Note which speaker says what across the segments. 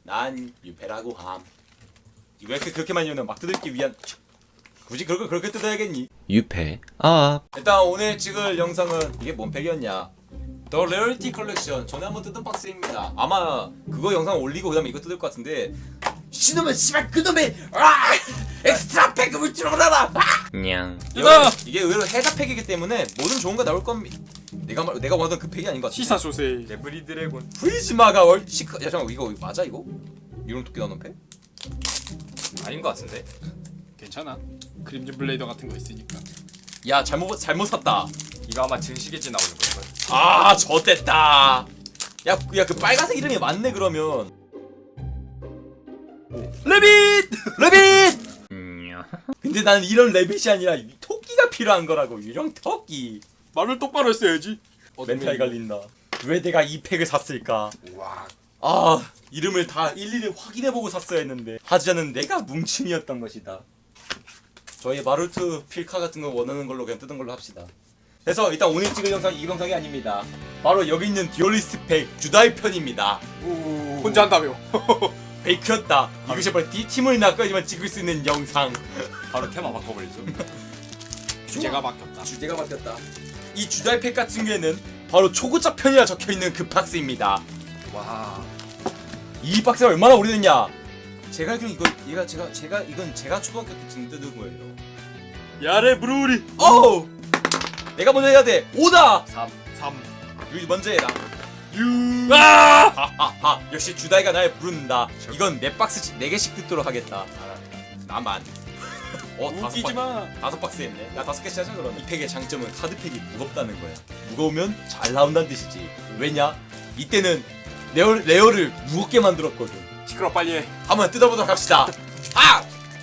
Speaker 1: 난 유패라고 함. 왜 이렇게 그렇게 많이 오냐? 막 뜯기 위한. 굳이 그렇게 뜯어야겠니?
Speaker 2: 유패 아
Speaker 1: 일단 오늘 찍을 영상은 이게 뭔 팩이었냐? 더 레어리티 컬렉션 전에 한번 뜯은 박스입니다. 아마 그거 영상 올리고 그다음에 이거 뜯을 것 같은데. 신놈은 씨발 그놈의 엑스트라 팩을 들어라.
Speaker 2: 냥
Speaker 1: 이게 의외로 해자 팩이기 때문에 뭐든 좋은 거 나올 겁니다. 내가 원하던 그 팩이 아닌 것 같아.
Speaker 3: 시사 소세.
Speaker 4: 레브리 드래곤.
Speaker 1: 프리즈마가 월 시크. 야 잠깐 이거 맞아 이거? 이런 토끼 나오는 팩?
Speaker 4: 아닌 것 같은데.
Speaker 3: 괜찮아. 그림진 블레이더 같은 거 있으니까.
Speaker 1: 야 잘못 샀다.
Speaker 4: 이거 아마 증식에지 나오는 거야.
Speaker 1: 아 젖됐다. 야 그 빨간색 이름이 맞네 그러면.
Speaker 3: 레빗!
Speaker 1: 레빗!
Speaker 2: 냥
Speaker 1: 근데 나는 이런 레빗이 아니라 이 토끼가 필요한 거라고. 유령 토끼.
Speaker 3: 말을 똑바로 했어야지.
Speaker 1: 멘탈 갈린다. 왜 내가 이 팩을 샀을까?
Speaker 4: 와.
Speaker 1: 아 이름을 다 일일이 확인해보고 샀어야 했는데 하지 않은 내가 뭉친이었던 것이다. 저희 마루트 필카 같은 거 원하는 걸로 그냥 뜯은 걸로 합시다. 그래서 일단 오늘 찍을 영상이 이 영상이 아닙니다. 바로 여기 있는 듀얼리스트 팩 주다이 편입니다.
Speaker 3: 혼자 한다며.
Speaker 1: 페이크였다. 이것이 바로 D팀을 낚아야지만 찍을 수 있는 영상.
Speaker 4: 바로 테마 바꿔버리죠.
Speaker 3: 주제가 바뀌었다.
Speaker 1: 주제가 바뀌었다. 이 주다이 팩 같은 경우에는 바로 초고작 편이라 적혀있는 그 박스입니다.
Speaker 4: 와.
Speaker 1: 이 박스가 얼마나 오래됐냐? 제가 알기로는 이건 제가 초등학교 때쯤 뜯은 거예요.
Speaker 3: 야레 브루리.
Speaker 1: 오! 내가 먼저 해야 돼. 오다.
Speaker 4: 3.
Speaker 1: 유이 먼저 해라.
Speaker 3: 유. 아!
Speaker 1: 하하하. 역시 주다이가 날 부른다. 이건 내 박스 4개씩 뜯도록 하겠다. 나만.
Speaker 3: 웃기지 마.
Speaker 1: 5박스 했네. 나 5개씩 하자 그러면. 이 팩의 장점은 카드팩이 무겁다는 거야. 무거우면 잘 나온다는 뜻이지. 왜냐? 이때는 레어를 무겁게 만들었거든.
Speaker 3: 시끄러 빨리 해.
Speaker 1: 한번 뜯어보도록 합시다. 아!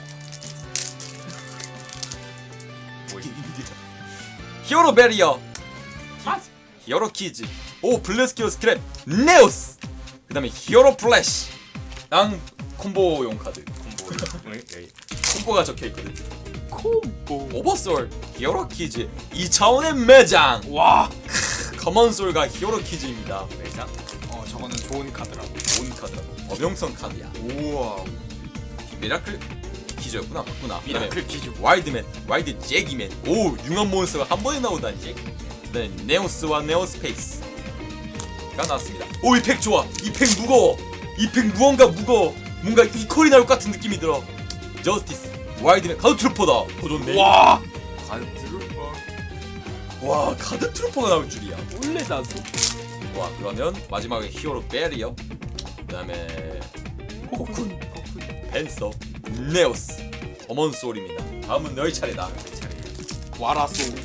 Speaker 1: 히어로 베리어, 히어로 키즈, 오 블레스키오 스크랩, 네오스. 그다음에 히어로 플래시. 랑 콤보용 카드. 콤보가 적혀 있거든.
Speaker 3: 콤보.
Speaker 1: 오버솔, 히어로 키즈, 2차원의 매장.
Speaker 3: 와.
Speaker 1: 커먼솔과 히어로 키즈입니다.
Speaker 4: 매장.
Speaker 3: 저거는 좋은 카드라고.
Speaker 1: 좋은 카드라고. 어명성 카드야.
Speaker 4: 우와.
Speaker 1: 미라클 키즈였구나. 맞구나.
Speaker 3: 미라클 키즈.
Speaker 1: 와일드맨, 와일드 제기맨. 오, 융합 몬스터가 한 번에 나오다니. 네, 네오스와 네오스페이스가 나왔습니다. 오, 이 팩 좋아. 이 팩 무거워. 이 팩 무언가 무거워. 뭔가 이퀄이 나올 것 같은 느낌이 들어. 저스티스, 와일드맨, 카드 트루퍼다. 더 좋네.
Speaker 3: 와.
Speaker 4: 간트루퍼.
Speaker 1: 와, 카드 트루퍼가 나올 줄이야.
Speaker 3: 원래 나서.
Speaker 1: 와, 그러면 마지막에 히어로 베리어. 그다음에 코쿤, 벤서, 네오스, 어먼 소울입니다. 다음은 너희 차례다. 너희 차례.
Speaker 3: 와라소.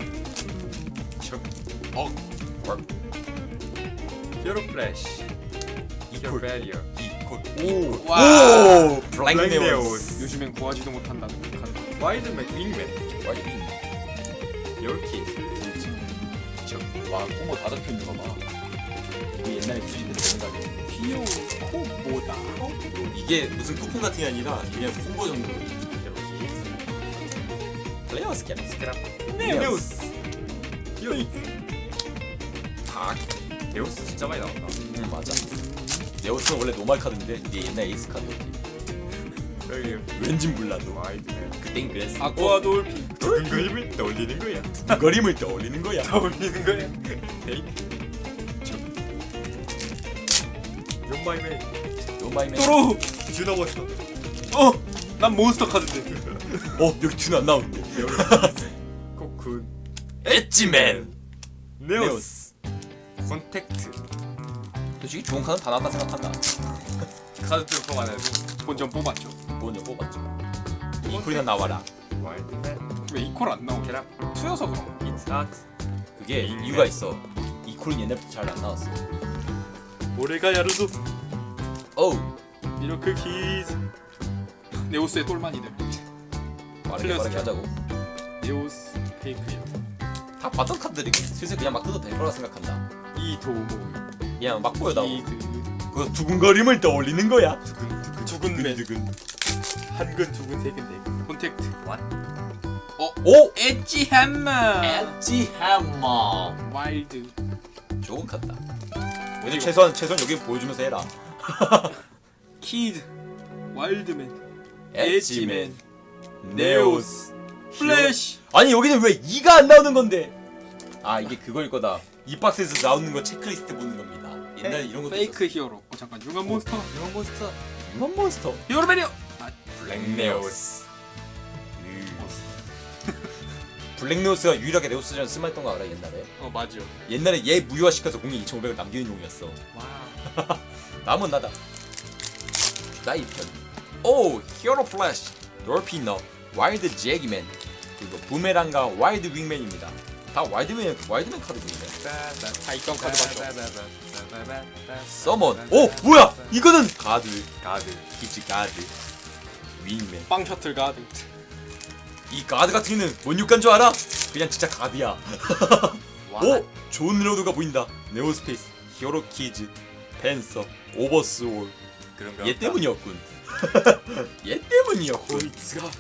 Speaker 4: 히어로 플래시. 히어로 베리어.
Speaker 1: 오,
Speaker 3: 와.
Speaker 1: 오, 블랙
Speaker 4: 블랙
Speaker 1: 네오스.
Speaker 4: 네오스.
Speaker 3: 요즘엔 구하지도 못한다는 그 카드.
Speaker 4: 와일드맨 윙맨.
Speaker 1: 와일드.
Speaker 4: 히어로 키즈.
Speaker 1: 와, 콤보 다 적혀 있는 거 봐. 이거 옛날에 수집된 생각이.
Speaker 3: 피오 콤보다.
Speaker 1: 이게 무슨 쿠폰 같은 게 아니라 그냥 콤보 정도로. 플레이어 스캔.
Speaker 4: 스크랍.
Speaker 1: 네오스.
Speaker 4: 히어로. 아. 네오스 진짜 많이 나온다.
Speaker 1: 맞아. 네오스는 원래 노말 카드인데 이게 옛날 에이스 카드였지.
Speaker 4: 여기
Speaker 1: 왠진 몰라도.
Speaker 4: 와일드맨.
Speaker 1: 그땐 그랬어.
Speaker 3: 아쿠아 돌핀.
Speaker 4: 두근거림을 떠올리는 거야.
Speaker 1: 거림을 떠올리는 거야.
Speaker 4: 떠올리는 거야. 에이. 용마이메.
Speaker 1: 노마이맨.
Speaker 3: 또로.
Speaker 4: 주나버스.
Speaker 3: 난 몬스터 카드인데.
Speaker 1: 여기 튜는 안 나오는데.
Speaker 4: 코쿤.
Speaker 1: 엣지맨.
Speaker 4: 네오스. 콘택트.
Speaker 1: 솔직히 좋은 카드 다 나왔다 생각한다.
Speaker 4: 카드 트루퍼만 해도
Speaker 3: 본전 뽑았죠.
Speaker 1: 먼저 뽑았죠. 이 콜이나 나와라.
Speaker 4: 와일드맨.
Speaker 3: 왜 이퀄 안 나오게?
Speaker 4: 캐랍.
Speaker 3: 투여서 그런 거.
Speaker 4: 이츠 아트.
Speaker 1: 그게 이유가 있어. 이 콜은 옛날부터 잘 안 나왔어.
Speaker 3: 올해가 야르도.
Speaker 1: 어우.
Speaker 3: 미러클 키즈. 네오스의 똘만이네.
Speaker 1: 빠르게
Speaker 3: 틀렸어.
Speaker 1: 하자고.
Speaker 3: 네오스 페이크예요.
Speaker 1: 다 봤던 카드들이 슬슬 그냥 막 뜯어도 될 거라 생각한다.
Speaker 3: 이도모.
Speaker 1: 그냥 막 보여다오.
Speaker 3: 이드.
Speaker 1: 그 두근거림을 떠올리는 거야.
Speaker 3: 두근맨.
Speaker 1: 두근.
Speaker 3: 한근 두근 세근 네. 콘택트.
Speaker 1: 오!
Speaker 3: 엣지 햄머.
Speaker 1: 엣지 해머.
Speaker 3: 와일드.
Speaker 1: 좋은 카드다. 왜냐면 최소한 여기 보여주면서 해라.
Speaker 3: 키드, 와일드맨,
Speaker 1: 엣지맨, 네오스,
Speaker 3: 플래시.
Speaker 1: 아니 여기는 왜 2가 안 나오는 건데? 아 이게 그거일 거다. 이 박스에서 나오는 거 체크리스트 보는 겁니다. 옛날에 이런 것도
Speaker 3: 페이크 히어로. 잠깐 융합 몬스터.
Speaker 4: 이런 몬스터.
Speaker 1: 있었어. 이건 몬스터.
Speaker 3: 히어로 매니어. 아,
Speaker 4: 블랙네오스.
Speaker 1: 블랙네오스가 유일하게 네오스전 쓸만했던 거 알아 옛날에?
Speaker 3: 맞죠.
Speaker 1: 옛날에 얘 무효화시켜서 공이 2,500을 남기는 용이었어.
Speaker 4: 와.
Speaker 1: 남은 나다. 나이 편. 오 히어로 플래시, 돌피너, 와일드 제기맨, 그리고 부메랑과 와일드 윙맨입니다. 다 와일드맨 카드군요.
Speaker 3: 다 입건 카드밖에 없어.
Speaker 1: 서먼. 오 뭐야? 이거는 가드.
Speaker 4: 가드.
Speaker 1: 기지 가드. 윙맨.
Speaker 3: 빵 셔틀 가드.
Speaker 1: 이 가드 같은 경우는 뭔 육간 줄 알아? 그냥 진짜 가드야.
Speaker 4: 와.
Speaker 1: 오! 존 로드가 보인다. 네오스페이스, 히어로 키즈, 펜서, 오버스올.
Speaker 4: 그런가?
Speaker 1: 얘 때문이었군. 얘 때문이었군.
Speaker 3: 보이츠가.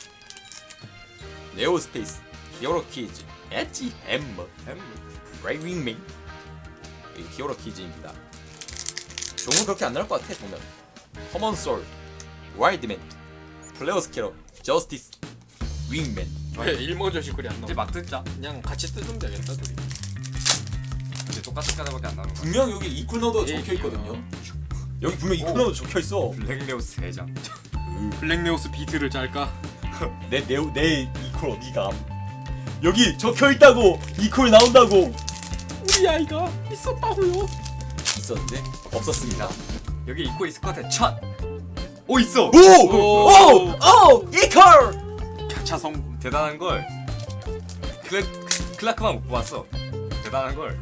Speaker 1: 네오스페이스, 히어로 키즈, 엣지 햄머, 브레이 윙맨. 이 히어로 키즈입니다. 좋은 건 그렇게 안 나올 것 같아 보면. 커먼 솔, 와일드맨, 플레어 스캐러, 저스티스, 윙맨.
Speaker 3: 왜 일모저 시쿨이 안
Speaker 4: 이제
Speaker 3: 나와?
Speaker 4: 막 뜯자.
Speaker 3: 그냥 같이 뜯으면 되겠다 둘이.
Speaker 4: 이제 똑같은 카드밖에 안 나오는 거야.
Speaker 1: 분명 여기 이퀄너도
Speaker 3: 예,
Speaker 1: 적혀 있거든요. 여기 분명 이퀄너도 적혀 있어.
Speaker 4: 블랙네오스 3장.
Speaker 3: 블랙네오스 비트를 짤까?
Speaker 1: 내 이퀄 어디가? 여기 적혀 있다고. 이퀄 나온다고.
Speaker 3: 우리 아이가 있었다고요.
Speaker 1: 있었는데 없었습니다.
Speaker 4: 여기 입고 있을 것 같아. 첫. 오 있어.
Speaker 1: 오 이퀄.
Speaker 3: 가차 성분.
Speaker 4: 대단한 걸. 클라크만 못 뽑았어. 대단한 걸.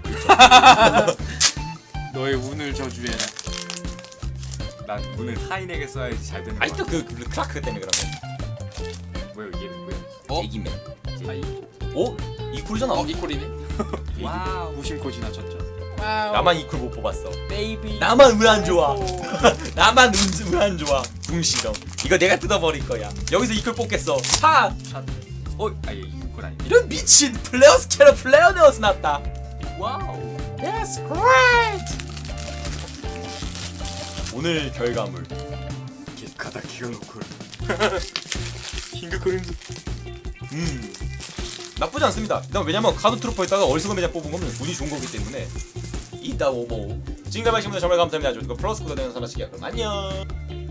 Speaker 3: 너의 운을 저주해라.
Speaker 4: 난 문을 타인에게 써야지 잘 되는 거야.
Speaker 1: 아직도 그 클라크 때문에 그런 거.
Speaker 4: 뭐야 이게 뭐야?
Speaker 1: 애기맨.
Speaker 3: 아이.
Speaker 1: 오 이퀄이잖아.
Speaker 3: 이콜이네.
Speaker 4: 와우.
Speaker 3: 무심코 지나쳤죠. 와우.
Speaker 1: 나만 이퀄 못 뽑았어.
Speaker 3: 베이비.
Speaker 1: 나만 운 안 좋아. 나만 운 안 좋아. 붕시렁. 이거 내가 뜯어버릴 거야. 여기서 이퀄 뽑겠어. 하.
Speaker 4: 아얘 이건 아니.
Speaker 1: 이런 미친 플레어 스캐러 플레어 네오스 났다.
Speaker 4: 와우.
Speaker 1: That's great. 오늘 결과물.
Speaker 4: 가다 기어놓고.
Speaker 3: 킹크 크림즈.
Speaker 1: 나쁘지 않습니다. 일단 왜냐면 카드 트루퍼에다가 어리석은 매장 뽑은 거면 운이 좋은 거기 때문에. 이따 오모. 지금까지 보신 분들 정말 감사합니다. 저희가 플러스 코드 되는 선하시기야. 그럼 안녕.